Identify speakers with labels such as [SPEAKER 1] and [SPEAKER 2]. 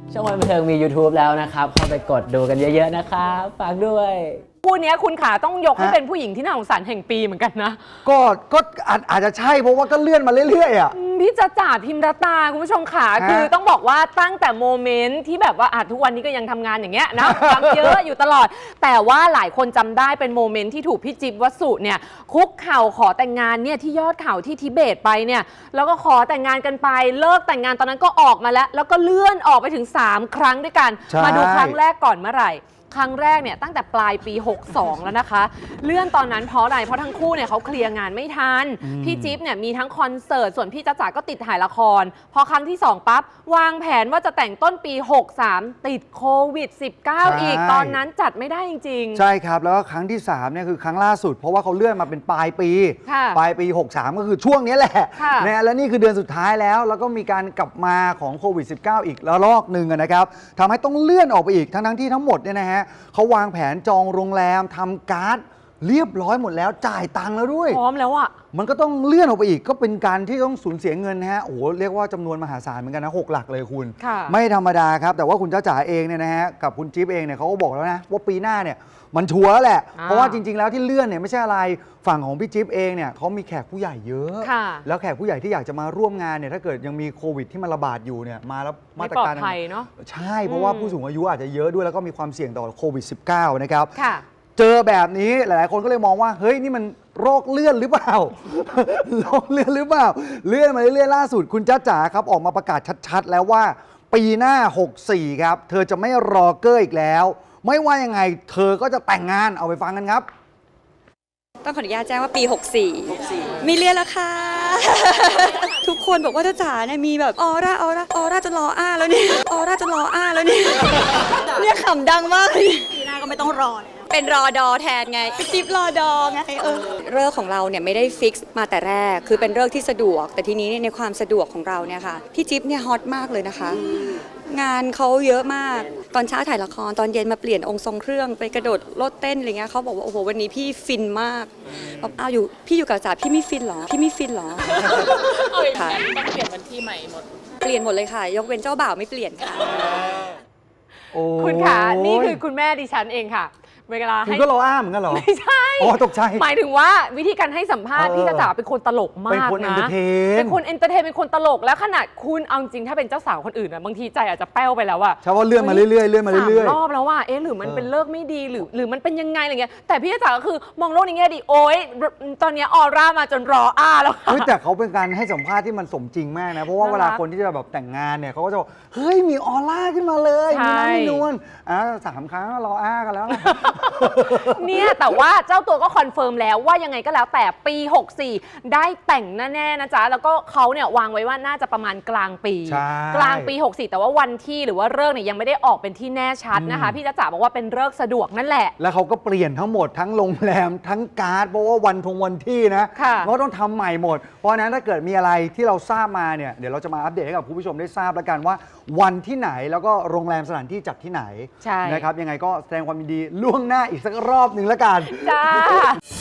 [SPEAKER 1] ช่องวันบันเทิงมี YouTube แล้วนะครับเข้าไปกดดูกันเยอะๆนะครับฝากด้วย
[SPEAKER 2] คู่นี้คุณขาต้องยกให้เป็นผู้หญิงที่น่าสงสารแห่งปีเหมือนกันนะ
[SPEAKER 3] ก็อาจจะใช่เพราะว่าก็เลื่อนมาเรื่อยๆอ่ะ
[SPEAKER 2] พี่จ๊ะจ๋าพิมรตาคุณผู้ชมขาคือต้องบอกว่าตั้งแต่โมเมนต์ที่แบบว่าทุกวันนี้ก็ยังทำงานอย่างเงี้ยนะทำเยอะอยู่ตลอดแต่ว่าหลายคนจำได้เป็นโมเมนต์ที่ถูกพี่จิ๊บวสุเนี่ยคุกเข่าขอแต่งงานเนี่ยที่ยอดเขาที่ทิเบตไปเนี่ยแล้วก็ขอแต่งงานกันไปเลิกแต่งงานตอนนั้นก็ออกมาแล้วก็เลื่อนออกไปถึง3ครั้งด้วยกันมาดูครั้งแรกก่อนเมื่อไหร่ครั้งแรกเนี่ยตั้งแต่ปลายปี62แล้วนะคะเลื่อนตอนนั้นเพราะอะไรเพราะทั้งคู่เนี่ยเขาเคลียร์งานไม่ทันพี่จิ๊บเนี่ยมีทั้งคอนเสิร์ตส่วนพี่จ๊ะจ๋าก็ติดถ่ายละครพอครั้งที่2ปั๊บวางแผนว่าจะแต่งต้นปี63ติดโควิด-19 อีกตอนนั้นจัดไม่ได้จริงๆ
[SPEAKER 3] ใช่ครับแล้วก็ครั้งที่3เนี่ยคือครั้งล่าสุดเพราะว่าเขาเลื่อนมาเป็นปลายปี63ก็คือช่วงนี้แหละนะและนี่คือเดือนสุดท้ายแล้วก็มีการกลับมาของโควิด19อีกระลอกหนึ่งนะครับทำให้ต้องเลื่อนออกไปอีกทั้งที่ทั้งหมดเนี่ยนะฮะเขาวางแผนจองโรงแรมทำการ์ดเรียบร้อยหมดแล้วจ่ายตังค์แล้วด้วย
[SPEAKER 2] พร้อมแล้วอ่ะ
[SPEAKER 3] มันก็ต้องเลื่อนออกไปอีกก็เป็นการที่ต้องสูญเสียเงินนะฮะโอ้โหเรียกว่าจำนวนมหาศาลเหมือนกันนะ6 หลักเลยคุณไม่ธรรมดาครับแต่ว่าคุณจ๊ะจ๋าเองเนี่ยนะฮะกับคุณจิ๊บเองเนี่ยเขาก็บอกแล้วนะว่าปีหน้าเนี่ยมันชัวร์แล้วแหละเพราะว่าจริงๆแล้วที่เลื่อนเนี่ยไม่ใช่อะไรฝั่งของพี่จิ๊บเองเนี่ยเขามีแขกผู้ใหญ่เยอะแล้วแขกผู้ใหญ่ที่อยากจะมาร่วมงานเนี่ยถ้าเกิดยังมีโควิดที่มันระบาดอยู่เนี่ยมาแล้วมาตรการ
[SPEAKER 2] เนาะ
[SPEAKER 3] ใช่เพราะว่าผู้สูงอายุอาจจะเยอะด้วยแล้วก็มีความเสี่ยงต่อโควิด-19 นะครับเจอแบบนี้หลายๆคนก็เลยมองว่าเฮ้ยนี่มันโรคเลื่อนหรือเปล่า โรคเลื่อนหรือเปล่าเลื่อนมาเรื่อยๆล่าสุดคุณจ๊ะจ๋าครับออกมาประกาศชัดๆแล้วว่าปีหน้า64ครับเธอจะไม่รอเกอร์อีกแล้วไม่ว่ายังไงเธอก็จะแต่งงานเอาไปฟังกันครับ
[SPEAKER 4] ต้องขออนุญาตแจ้งว่าปี64มีเรียนแล้วค่ะ ทุกคนบอกว่าจ้าจ๋าเนี่ยมีแบบออร่าจะรออ้าแล้วเนี่ยออร่าจะรออ้าแล้วเนี่ยเนี่ยขำดังมากเลย
[SPEAKER 5] ปีหน้าก็ไม่ต้องรอ
[SPEAKER 4] เป็นรอดอแทนไงจิ๊บรอดอไงเลิกของเราเนี่ยไม่ได้ฟิกซ์มาแต่แรกคือเป็นเลิกที่สะดวกแต่ทีนี้ในความสะดวกของเราเนี่ยค่ะพี่จิ๊บเนี่ยฮอตมากเลยนะคะงานเขาเยอะมากตอนเช้าถ่ายละครตอนเย็นมาเปลี่ยนองค์ทรงเครื่องไปกระโดดโลดเต้นอะไรเงี้ยเขาบอกว่าโอ้โหวันนี้พี่ฟินมากบอกอ้าวพี่อยู่กับจ๋าพี่ไม่ฟินหรอค่ะ
[SPEAKER 5] ต้องเปลี่ยนวันที่ใหม่หมด
[SPEAKER 4] เปลี่ยนหมดเลยค่ะยกเว้นเจ้าบ่าวไม่เปลี่ยนค่ะ
[SPEAKER 2] คุณขานี่คือคุณแม่ดิฉันเองค่ะเวลาให้
[SPEAKER 3] คุณก็รออ้าเหมือนกันเหรอ
[SPEAKER 2] ไม่ใช่
[SPEAKER 3] อ๋อตกใจ
[SPEAKER 2] หมายถึงว่าวิธีการให้สัมภาษณ์พี่จ๊ะจ๋าเป็นคนตลกมากนะเป็นคนเอนเตอร์เทนเป็นคนตลกแล้วขนาดคุณเอาจริงถ้าเป็นเจ้าสาวคนอื่นบางทีใจอาจจะแป้วไปแล้วอะ
[SPEAKER 3] ใช่ว่าเลื่อนมาเรื่อยๆเลื่อนมาเรื่อย
[SPEAKER 2] ๆรอบแล้วว่าหรือมันเป็นเลิกไม่ดีหรือมันเป็นยังไงอะไรเงี้ยแต่พี่จ๊ะจ๋าก็คือมองโลกในแง่ดีโอ๊ยตอนนี้ออร่ามาจนรออ้าแล้ว
[SPEAKER 3] แต่เขาเป็นการให้สัมภาษณ์ที่มันสมจริงมากนะเพราะว่าเวลาคนที่จะแบบแต่งงานเนี่ยเขาก็จะบอกเฮ้ยมีออร่าขึ้นมาเลยมีน้ำมีนวล3 ครั้งรออ้ากันแล้ว
[SPEAKER 2] เนี่ยแต่ว่าเจ้าตัวก็คอนเฟิร์มแล้วว่ายังไงก็แล้วแต่ปี64ได้แต่งแน่ๆนะจ๊ะแล้วก็เขาเนี่ยวางไว้ว่าน่าจะประมาณกลางปีกลางปี64แต่ว่าวันที่หรือว่าฤกษ์เนี่ยยังไม่ได้ออกเป็นที่แน่ชัดนะคะพี่จ๊ะจ๋าบอกว่าเป็นฤกษ์สะดวกนั่นแหละ
[SPEAKER 3] แล้วเขาก็เปลี่ยนทั้งหมดทั้งโรงแรมทั้งการ์ดเพราะว่าวันที่นะเขาต้องทำใหม่หมดเพราะฉะนั้นถ้าเกิดมีอะไรที่เราทราบมาเนี่ยเดี๋ยวเราจะมาอัปเดตให้กับคุณผู้ชมได้ทราบแล้วกันว่าวันที่ไหนแล้วก็โรงแรมสถานที่จัดที่ไหนนะครับยังไงก็แสดงความยินดีล่วงหน้าอีกสักรอบหนึ่งแล้วกัน
[SPEAKER 2] จ้า